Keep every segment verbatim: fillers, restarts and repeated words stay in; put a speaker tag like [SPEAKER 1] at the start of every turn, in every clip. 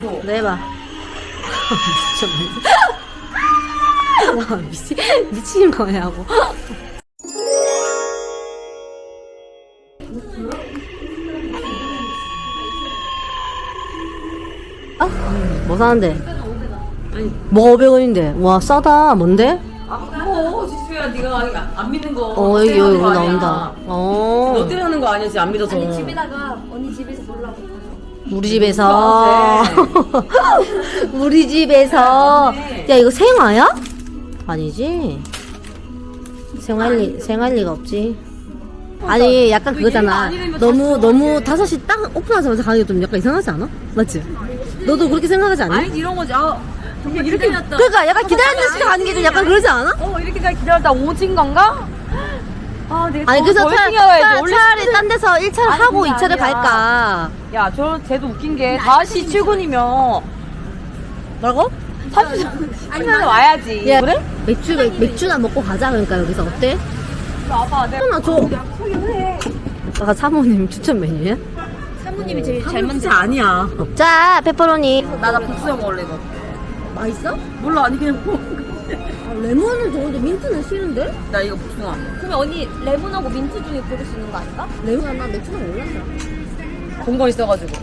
[SPEAKER 1] 네, 해봐. 와, 미치, 미친 거냐고. 어? 뭐 사는데?
[SPEAKER 2] 아니,
[SPEAKER 1] 뭐가 오백 원인데? 와, 싸다. 뭔데?
[SPEAKER 2] 아, 뭐, 지수야, 네가 안 믿는 거.
[SPEAKER 1] 어, 여기, 여기 나온다. 어.
[SPEAKER 2] 너 때문에 하는 거 아니야, 지금 안 믿어서.
[SPEAKER 3] 아니 집에다가 언니 집에서 보려고.
[SPEAKER 1] 우리 집에서. 우리 집에서. 야, 이거 생화야? 아니지. 생활 리, 생활 리가 없지. 아니, 약간 그거잖아. 너무, 너무 다섯 시 딱 오픈하자마자 가는 게 좀 약간 이상하지 않아? 맞지? 너도 그렇게 생각하지 않니?
[SPEAKER 2] 아니, 이런 거지. 아, 정말 이렇게 기다렸다.
[SPEAKER 1] 그러니까 약간 기다리는 시간 가는 게 좀 약간 그러지 않아?
[SPEAKER 2] 어, 이렇게까지 기다렸다 오진 건가? 아, 내가
[SPEAKER 1] 아니,
[SPEAKER 2] 더-
[SPEAKER 1] 그래서
[SPEAKER 2] 더
[SPEAKER 1] 차,
[SPEAKER 2] 일찍 나와야지.
[SPEAKER 1] 차,
[SPEAKER 2] 원래
[SPEAKER 1] 차라리
[SPEAKER 2] 스케줄-
[SPEAKER 1] 딴 데서 일 차를
[SPEAKER 2] 아니,
[SPEAKER 1] 하고
[SPEAKER 2] 그게
[SPEAKER 1] 이 차를
[SPEAKER 2] 아니야.
[SPEAKER 1] 갈까?
[SPEAKER 2] 야, 저, 쟤도 웃긴 게 다섯 시 출근이면
[SPEAKER 1] 뭐라고?
[SPEAKER 2] 삼십 시간에 와야지.
[SPEAKER 1] 야,
[SPEAKER 2] 그래?
[SPEAKER 1] 맥주, 맥, 맥주나 먹고 가자, 그러니까 여기서. 어때?
[SPEAKER 2] 와봐, 내가
[SPEAKER 1] 하나 줘. 아까 사모님 추천 메뉴야?
[SPEAKER 3] 사모님이 제일 잘
[SPEAKER 2] 진짜 아니야.
[SPEAKER 1] 자, 페퍼로니.
[SPEAKER 2] 나, 나 복수형 먹을래, 이거.
[SPEAKER 1] 맛있어?
[SPEAKER 2] 몰라, 아니, 그냥 먹어.
[SPEAKER 1] 아, 레몬은 좋은데 민트는 싫은데?
[SPEAKER 2] 나 이거 복숭아.
[SPEAKER 3] 그러면 언니 레몬하고 민트 중에 고를 수 있는 거 아닐까?
[SPEAKER 1] 레몬 나 맥주는 몰랐어.
[SPEAKER 2] 본거 있어가지고.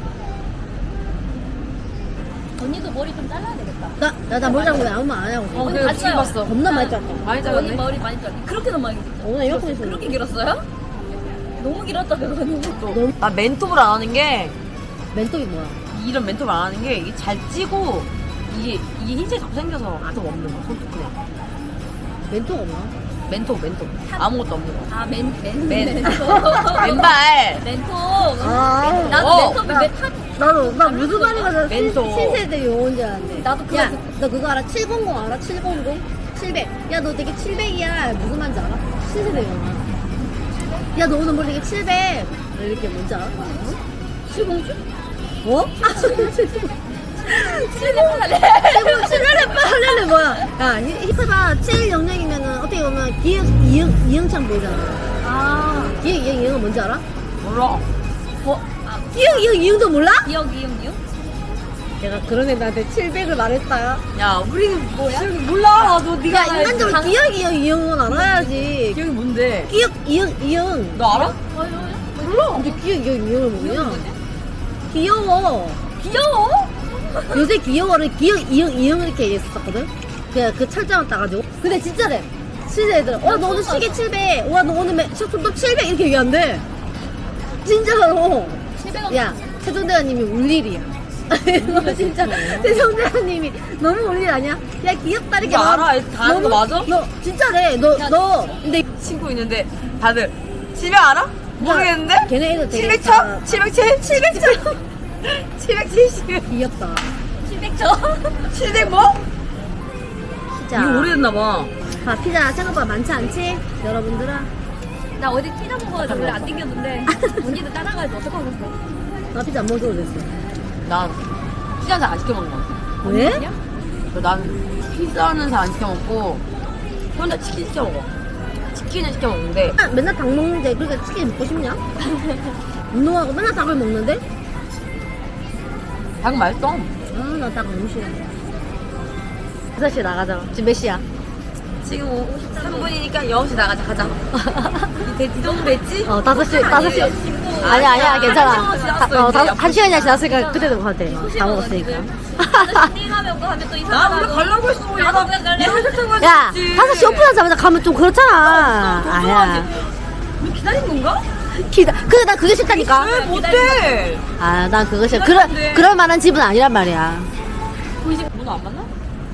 [SPEAKER 3] 언니도 머리 좀 잘라야 되겠다.
[SPEAKER 1] 나, 나, 나 몰라고 왜 아무 말 안 하고.
[SPEAKER 2] 어,
[SPEAKER 3] 언니
[SPEAKER 2] 그래,
[SPEAKER 3] 봤어요?
[SPEAKER 2] 지금 봤어.
[SPEAKER 1] 겁나 많이 짰다.
[SPEAKER 2] 많이
[SPEAKER 3] 언니
[SPEAKER 2] 잘랐네.
[SPEAKER 3] 머리 많이 잘라. 그렇게는 많이 길었죠.
[SPEAKER 1] 오늘 이렇게 있어.
[SPEAKER 3] 그렇게 길었어요? 너무 길었다 그거는.
[SPEAKER 1] 너무
[SPEAKER 2] 나 멘톱을 안 하는 게,
[SPEAKER 1] 멘토이 뭐야?
[SPEAKER 2] 이런 멘톱을 안 하는 게, 이게 잘 찌고, 이게, 이게 흰색 자꾸 생겨서 아무 없는 거, 손톱 그냥.
[SPEAKER 1] 멘토가 뭐야?
[SPEAKER 2] 멘톱, 멘톱. 아무것도 없는 거.
[SPEAKER 3] 아, 멘, 멘,
[SPEAKER 2] 맨.
[SPEAKER 3] 멘토.
[SPEAKER 2] 맨발.
[SPEAKER 3] 멘토.
[SPEAKER 1] 아,
[SPEAKER 3] 나도
[SPEAKER 2] 어,
[SPEAKER 3] 멘토이
[SPEAKER 2] 나-
[SPEAKER 3] 왜 타?
[SPEAKER 1] 나도, 나 무슨 말인가 저 신-
[SPEAKER 2] 멘토.
[SPEAKER 1] 신세대 용어인 줄 알았는데.
[SPEAKER 3] 나도 그거
[SPEAKER 1] 야,
[SPEAKER 3] 듣-
[SPEAKER 1] 너 그거 알아? 칠백십 알아? 칠백십? 칠백. 야, 너 되게 칠백이야. 무슨 말인지 알아? 신세대 용어. 야, 너 오늘 뭐 되게 칠백. 이렇게 뭔지 알아? 칠공주? 어? 칠레레 빨레레 뭐야? 야, 히스바 칠영영이면은 어떻게 보면 기억 이응 이응창 보이잖아.
[SPEAKER 3] 아,
[SPEAKER 1] 기억 이응 이응은 뭔지 알아?
[SPEAKER 2] 몰라.
[SPEAKER 3] 뭐, 아,
[SPEAKER 1] 기억 이응 이응도 몰라?
[SPEAKER 3] 기억, 이응, 이응?
[SPEAKER 1] 내가 그런 애들한테 칠백을 말했다.
[SPEAKER 2] 야, 우리는 뭐야? 몰라. 나도 네가
[SPEAKER 1] 야, 인간적으로
[SPEAKER 3] 강-
[SPEAKER 1] 기억 이응 이응은 알아야지.
[SPEAKER 2] 기억이 뭔데?
[SPEAKER 1] 기억 이응 이응.
[SPEAKER 2] 너 알아?
[SPEAKER 1] 몰라. 근데 기억 이응 이응을 모르냐? 귀여워.
[SPEAKER 3] 귀여워?
[SPEAKER 1] 요새 귀여워를 기억 이응 이응을 이렇게 얘기했었거든. 그냥 그 철자만 따가지고. 근데 진짜래. 진짜 애들. 와, 너 오늘 시계 칠백. 와, 너 오늘 매- 셔츠도 칠백 이렇게 얘기한대. 진짜로.
[SPEAKER 3] 칠백 원.
[SPEAKER 1] 야, 최종대원님이 울 일이야. 너 진짜 최종대원님이 너무 울 일 아니야? 야, 귀엽다 이렇게
[SPEAKER 2] 이거
[SPEAKER 1] 말-
[SPEAKER 2] 알아? 다 하는 거
[SPEAKER 1] 너무-
[SPEAKER 2] 맞아?
[SPEAKER 1] 너 진짜래. 너
[SPEAKER 3] 야,
[SPEAKER 1] 너 근데
[SPEAKER 2] 친구 있는데 다들 집에 알아? 모르겠는데?
[SPEAKER 1] 걔네 애들 되게
[SPEAKER 2] 칠백
[SPEAKER 1] 다
[SPEAKER 2] 쳐? 칠백칠? 칠백 쳐? 칠백칠십?
[SPEAKER 1] 귀엽다.
[SPEAKER 3] 칠백 점.
[SPEAKER 2] 칠백 뭐?
[SPEAKER 1] 진짜.
[SPEAKER 2] 이거 오래됐나봐.
[SPEAKER 1] 아, 피자 생각보다 많지 않지? 여러분들아.
[SPEAKER 3] 나 어디 피자 먹어가지고 원래 안 땡겼는데 언니도 따라가야지 어떡하겠어.
[SPEAKER 1] 나 피자 안 먹어도 됐어.
[SPEAKER 2] 난 피자 잘 안 시켜 먹는 거 같아.
[SPEAKER 1] 왜?
[SPEAKER 2] 난 피자는 잘 안 시켜 먹고 혼자 치킨 시켜 먹어. 치킨은 시켜 먹는데
[SPEAKER 1] 아, 맨날 닭 먹는데 그렇게 치킨 먹고 싶냐? 운동하고 맨날 닭을 먹는데?
[SPEAKER 2] 닭 맛있어.
[SPEAKER 1] 아, 나 닭 너무 싫어. 여섯 시에 나가자. 지금 몇 시야?
[SPEAKER 2] 지금 오십삼 분이니까 여섯 시 나가자. 가자. 이 정도 됐지?
[SPEAKER 1] 어, 다섯 시, 다섯 시. 아니야, 아니야, 괜찮아.
[SPEAKER 2] 한 시간
[SPEAKER 1] 다- 어,
[SPEAKER 2] 지났어,
[SPEAKER 1] 다-
[SPEAKER 2] 이제.
[SPEAKER 1] 한 시간이나 지났으니까 그때도 가도 돼. 다 먹었으니까.
[SPEAKER 3] 띵하면 뭐 하면 또
[SPEAKER 2] 나
[SPEAKER 3] 이상하고.
[SPEAKER 2] 원래 가려고 했어. 야, 나
[SPEAKER 3] 나도 갈래.
[SPEAKER 2] 이거 설탕 가지고
[SPEAKER 1] 야,
[SPEAKER 2] 있지.
[SPEAKER 1] 다섯 시 오픈하자마자 가면 좀 그렇잖아. 아야.
[SPEAKER 2] 너 기다린 건가?
[SPEAKER 1] 기다, 근데 나 그게 싫다니까.
[SPEAKER 2] 왜 못해?
[SPEAKER 1] 아, 난 그거 싫어. 그럴,
[SPEAKER 2] 기다리는데.
[SPEAKER 1] 그럴 만한 집은 아니란 말이야.
[SPEAKER 2] 구십 문어 안 맞나?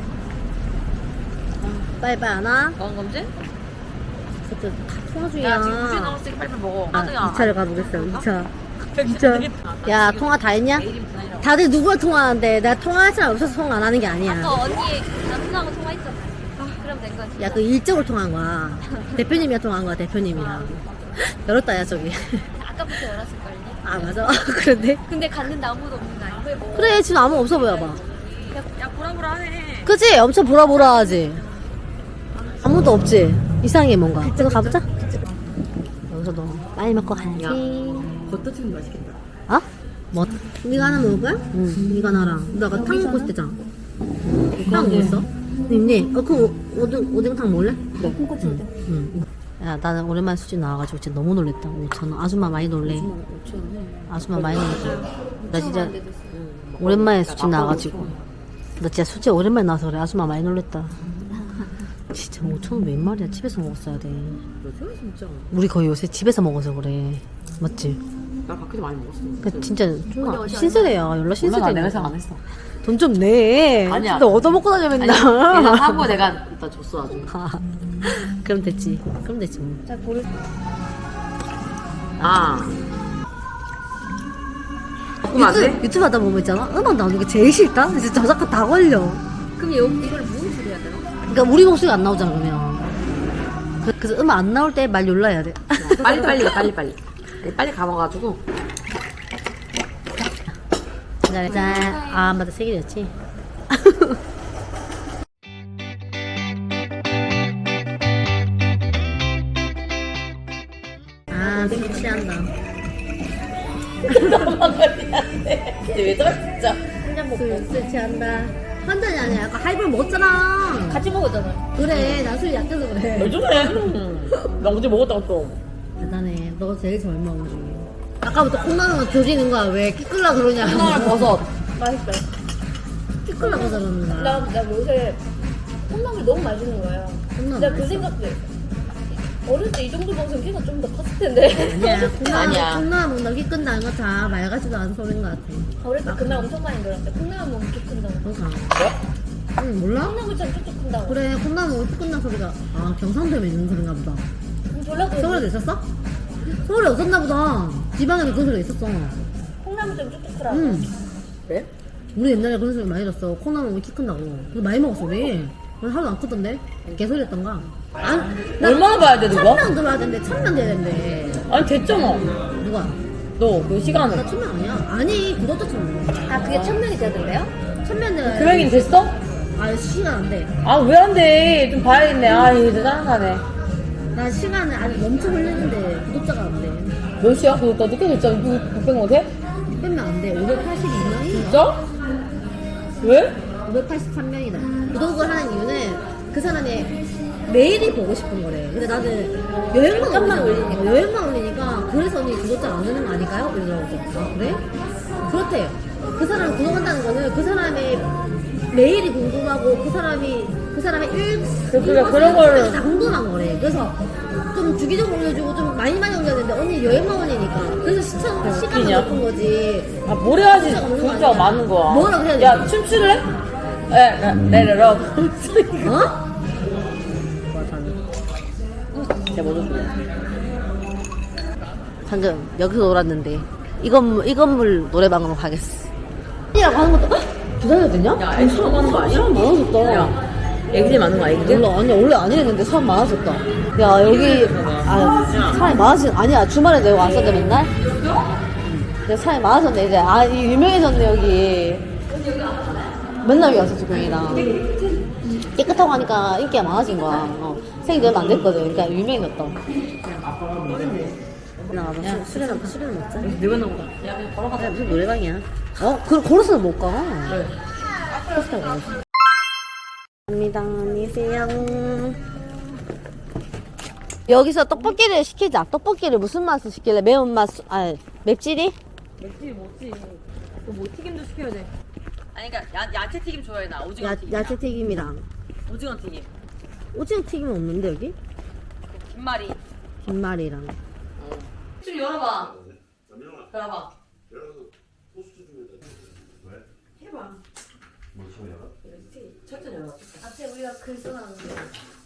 [SPEAKER 1] 빨리빨리 안 와?
[SPEAKER 2] 건강검진?
[SPEAKER 1] 그때 다 통화 중이야.
[SPEAKER 2] 야, 지금 구십 넘었으니까 빨리빨리 먹어.
[SPEAKER 1] 아, 이 차를 가보겠어요. 이 차.
[SPEAKER 2] 진짜.
[SPEAKER 1] 야, 통화 다 했냐? 다들 누구랑 통화하는데 내가 통화할 사람 없어서 통화 안 하는 게 아니야.
[SPEAKER 3] 아까 언니 남편하고 통화했잖아. 아, 그럼 된 거지.
[SPEAKER 1] 야, 그 일적으로 통화한 거야. 대표님이랑 통화한 거야, 대표님이랑. 열었다, 야, 저기.
[SPEAKER 3] 아까부터 열었을걸요.
[SPEAKER 1] 아, 맞아. 그런데?
[SPEAKER 3] 근데 갔는데 아무도 없는 거 아니야? 뭐.
[SPEAKER 1] 그래, 지금 아무 없어 보여봐.
[SPEAKER 3] 야, 야 보라보라하네.
[SPEAKER 1] 그치? 엄청 보라보라 하지? 아무도 없지? 이상해, 뭔가. 이거 가보자. 여기서 너 빨리 먹고 가야지.
[SPEAKER 2] 겉도 지금 맛있겠다.
[SPEAKER 1] 어? 뭐? 네가 하나 먹을 거야? 응. 네가 나랑. 너가 탕 먹고 싶대잖아. 탕 뭐 있어? 있니? 어, 그 오- 오등, 오뎅탕 먹을래?
[SPEAKER 3] 네. 콩고추 응.
[SPEAKER 1] 응. 야, 나는 오랜만에 수지 나와가지고 진짜 너무 놀랬다. 오천 원. 아줌마 많이 놀래. 아줌마 많이 놀랬다. 나 진짜 오랜만에 수지 나와가지고. 나 진짜 수지 오랜만에 나와서 그래. 아줌마 많이 놀랬다. 진짜 오천 원 웬 말이야. 집에서 먹었어야 돼.
[SPEAKER 2] 요새 진짜.
[SPEAKER 1] 우리 거의 요새 집에서 먹어서 그래. 맞지?
[SPEAKER 2] 나 밖에서 많이 먹었어.
[SPEAKER 1] 그 진짜 좀 신세대야. 연락
[SPEAKER 2] 몰라, 나
[SPEAKER 1] 신세대.
[SPEAKER 2] 내가 생각 안 했어.
[SPEAKER 1] 돈 좀 내.
[SPEAKER 2] 아니야.
[SPEAKER 1] 너 얻어먹고 다녀 맨날.
[SPEAKER 2] 얘는 사고 내가 이따 줬어 아주.
[SPEAKER 1] 아, 그럼 됐지. 그럼 됐지 뭐.
[SPEAKER 3] 자 고를.
[SPEAKER 2] 아. 바꾸면 안 돼?
[SPEAKER 1] 유튜브, 유튜브 하다 보면 있잖아. 음악 나오는 게 제일 싫다. 진짜 저작권 다 걸려.
[SPEAKER 3] 그럼 여, 이걸 무슨 소리 해야 되나?
[SPEAKER 1] 그러니까 우리 목소리가 안 나오잖아 그러면. 그- 그래서 음악 안 나올 때 말 열라야 돼.
[SPEAKER 2] 빨리 빨리 빨리 빨리. 빨리 감아가지고.
[SPEAKER 1] 짠. 짠. 아 맞다 세 개였지. 아 술 취한다.
[SPEAKER 2] 왜 저래 진짜?
[SPEAKER 3] 한잔 먹고.
[SPEAKER 1] 술, 술 취한다. 한 잔이 아니야. 아까 하이볼 먹었잖아.
[SPEAKER 3] 같이 먹었잖아요.
[SPEAKER 1] 그래 나 술이 약해서 그래.
[SPEAKER 2] 왜 저래? 나 어제 먹었다고 또.
[SPEAKER 1] 대단해. 너 제일 젊어 우리 중에. 아까부터 콩나물만 조지는 거야. 왜 끼끌라 그러냐.
[SPEAKER 2] 콩나물 버섯.
[SPEAKER 3] 맛있어요.
[SPEAKER 1] 끼끌라 그러는 거야.
[SPEAKER 3] 나, 나 요새 콩나물이 너무 맛있는 거야.
[SPEAKER 1] 콩나물
[SPEAKER 3] 내가 그
[SPEAKER 1] 맛있어.
[SPEAKER 3] 생각도 했어. 어릴 때 이 정도 먹으면 키가 좀 더 컸을 텐데.
[SPEAKER 1] 아니야. 콩나물,
[SPEAKER 2] 아니야.
[SPEAKER 1] 콩나물 먹나 키 끈다는 거 다 말 같지도 않은 소리인 것 같아.
[SPEAKER 3] 어릴 때 그날 엄청 많이 들었는데 콩나물 먹으면 키 큰다고.
[SPEAKER 1] 그러니까. 응 몰라?
[SPEAKER 3] 콩나물처럼 쭉쭉 큰다고.
[SPEAKER 1] 그래 콩나물 먹으면 키 끈다는 소리가 아 경상도에 있는 소린가 보다.
[SPEAKER 3] 그럼 전라도에
[SPEAKER 1] 서울에도 있었어? 서울에 없었나 보다. 지방에도 그런 소리가 있었어.
[SPEAKER 3] 콩나물처럼 쭉쭉 크라고.
[SPEAKER 1] 응.
[SPEAKER 2] 그래?
[SPEAKER 1] 우리 옛날에 그런 소리 많이 들었어. 콩나물 먹으면 키 큰다고. 근데 많이 먹었어 우리. 오늘 하루도 안 크던데? 개소리였던가? 안, 나
[SPEAKER 2] 얼마나 봐야 돼 누가?
[SPEAKER 1] 천명 들어야 된대. 천명 돼야 된대.
[SPEAKER 2] 아니 됐잖아.
[SPEAKER 1] 누가?
[SPEAKER 2] 너 그 시간은.
[SPEAKER 1] 나 천명 아니야? 아니 구독자 천명.
[SPEAKER 3] 아 그게 천명이 되던데요?
[SPEAKER 1] 천명 돼야
[SPEAKER 2] 금액이 됐어?
[SPEAKER 1] 아 시간 안 돼.
[SPEAKER 2] 아 왜 안 돼? 좀 봐야겠네. 아 이거 짜증나네.
[SPEAKER 1] 나 시간을 아직 넘쳐 흘리는데 구독자가 안 돼.
[SPEAKER 2] 몇 시야? 그거 나 늦게 됐잖아. 육백 명 돼?
[SPEAKER 1] 육 명 안 돼. 오백팔십이 명이?
[SPEAKER 2] 진짜? 왜?
[SPEAKER 1] 오백팔십삼 명이다. 구독을 하는 이유는 그 사람의 메일이 보고 싶은 거래. 근데 나는 여행만
[SPEAKER 3] 잠깐만
[SPEAKER 1] 올리니까, 어, 여행만 올리니까 그래서 언니 구독자 안 되는 거 아닐까요? 이러더라고. 아 그래? 그렇대. 그 사람 구독한다는 거는 그 사람의 메일이 궁금하고 그 사람이 그 사람의 일
[SPEAKER 2] 그- 그래, 그런 거를-
[SPEAKER 1] 다 궁금한 거래. 그래서 좀 주기적으로 올려주고 좀 많이 많이 올려야 되는데 언니 여행만 올리니까 그래서 시청 시간이
[SPEAKER 2] 웃기냐?
[SPEAKER 1] 높은 거지.
[SPEAKER 2] 아 뭘 해야지
[SPEAKER 1] 구독자가 없는 거
[SPEAKER 2] 구독자가
[SPEAKER 1] 아니야?
[SPEAKER 2] 많은 거야.
[SPEAKER 1] 뭐라 그래야 돼?
[SPEAKER 2] 야 춤출래? 에, 에, 내려라.
[SPEAKER 1] 어?
[SPEAKER 2] 내가 먼저 줄래.
[SPEAKER 1] 방금 여기서 놀았는데 이 건물 이 건물 노래방으로 가겠어. 이라고 하는 것도 기다려야 되냐?
[SPEAKER 2] 야, 애기 사람 많은 거 아니야?
[SPEAKER 1] 사람 많아졌다.
[SPEAKER 2] 야, 애기들 많은 거 아니거든?
[SPEAKER 1] 몰라 아니 원래 안 이랬는데 사람 많아졌다. 야 여기 아 사람이 많아진 아니야 주말에 내가 왔었는데 맨날. 근데 사람이 많아졌네 이제 아 이 유명해졌네 여기. 맨날 여기 왔었지 공이랑. 깨끗하고 하니까 인기가 많아진 거야. 어. 생이 얼마 안 됐거든. 그러니까 유명해졌다. 나가서 술이나 술이나 먹자.
[SPEAKER 2] 누가 나온 거야?
[SPEAKER 1] 야, 그냥 걸어가자. 무슨 노래방이야? 어? 그, 걸어서는 못 가.
[SPEAKER 2] 그래.
[SPEAKER 1] 버스 타고 가야지. 감사합니다. 안녕히 계세요. 여기서 떡볶이를 시키자. 떡볶이를 무슨 맛을 시킬래? 매운맛, 수- 아, 맵찔이?
[SPEAKER 2] 맵지 뭐지? 뭐 튀김도 시켜야 돼. 아니 그러니까 야, 야채 튀김 좋아해 나. 오징어
[SPEAKER 1] 야,
[SPEAKER 2] 튀김.
[SPEAKER 1] 야채 튀김이랑.
[SPEAKER 2] 오징어 튀김.
[SPEAKER 1] 오징어 튀김은 없는데, 여기?
[SPEAKER 2] 김말이.
[SPEAKER 1] 김말이랑.
[SPEAKER 2] 좀 열어봐. 열어봐. 해봐. 철저히 열어.
[SPEAKER 3] 앞에 우리가 글 써놨는데.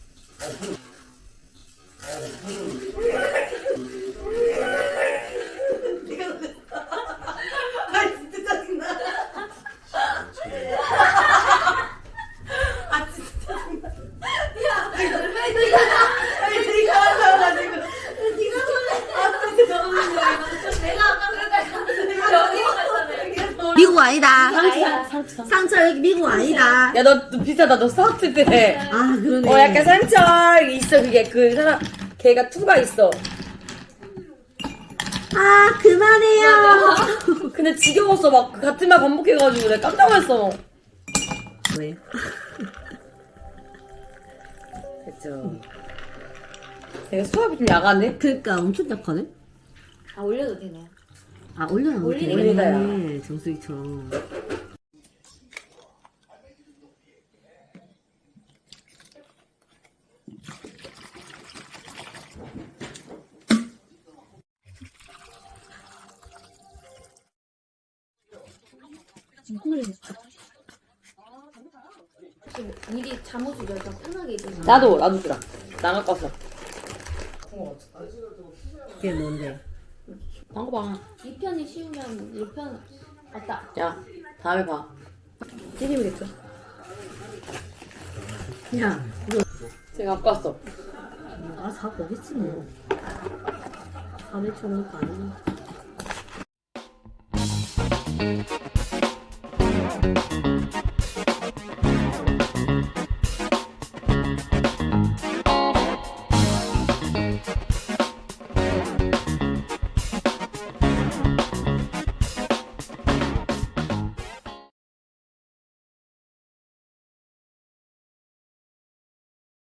[SPEAKER 1] 미국 아니다.
[SPEAKER 2] 상처.
[SPEAKER 1] 상처 여기 미국 아니다.
[SPEAKER 2] 야, 너, 너 비슷하다. 너 스타트 때.
[SPEAKER 1] 아, 그러네.
[SPEAKER 2] 어, 약간 상처 있어. 그게 그 사람, 걔가 투가 있어.
[SPEAKER 1] 아 그만해요.
[SPEAKER 2] 근데 지겨웠어. 막 같은 말 반복해가지고 내가 깜짝 놀랐어.
[SPEAKER 1] 왜?
[SPEAKER 2] 됐죠. 내가 수압이 좀 야간데?
[SPEAKER 1] 그러니까 엄청 약하네.
[SPEAKER 3] 아 올려도 되나요?
[SPEAKER 1] 아 올려놔.
[SPEAKER 3] 올리네.
[SPEAKER 2] 올리다야.
[SPEAKER 1] 네, 정수기처럼.
[SPEAKER 3] 미리 잠옷을 열까 편하게 입으면.
[SPEAKER 2] 나도 나도 주라. 나 갖고 왔어.
[SPEAKER 1] 그게 뭔데?
[SPEAKER 2] 방거 봐.
[SPEAKER 3] 이 편이 쉬우면 이 편 맞다.
[SPEAKER 2] 야 다음에 봐. 찌리겠죠?
[SPEAKER 1] 야,
[SPEAKER 2] 제가 갖고 왔어.
[SPEAKER 1] 아 사고 오겠지 뭐. 밤에 쳐놓은 거 아니야.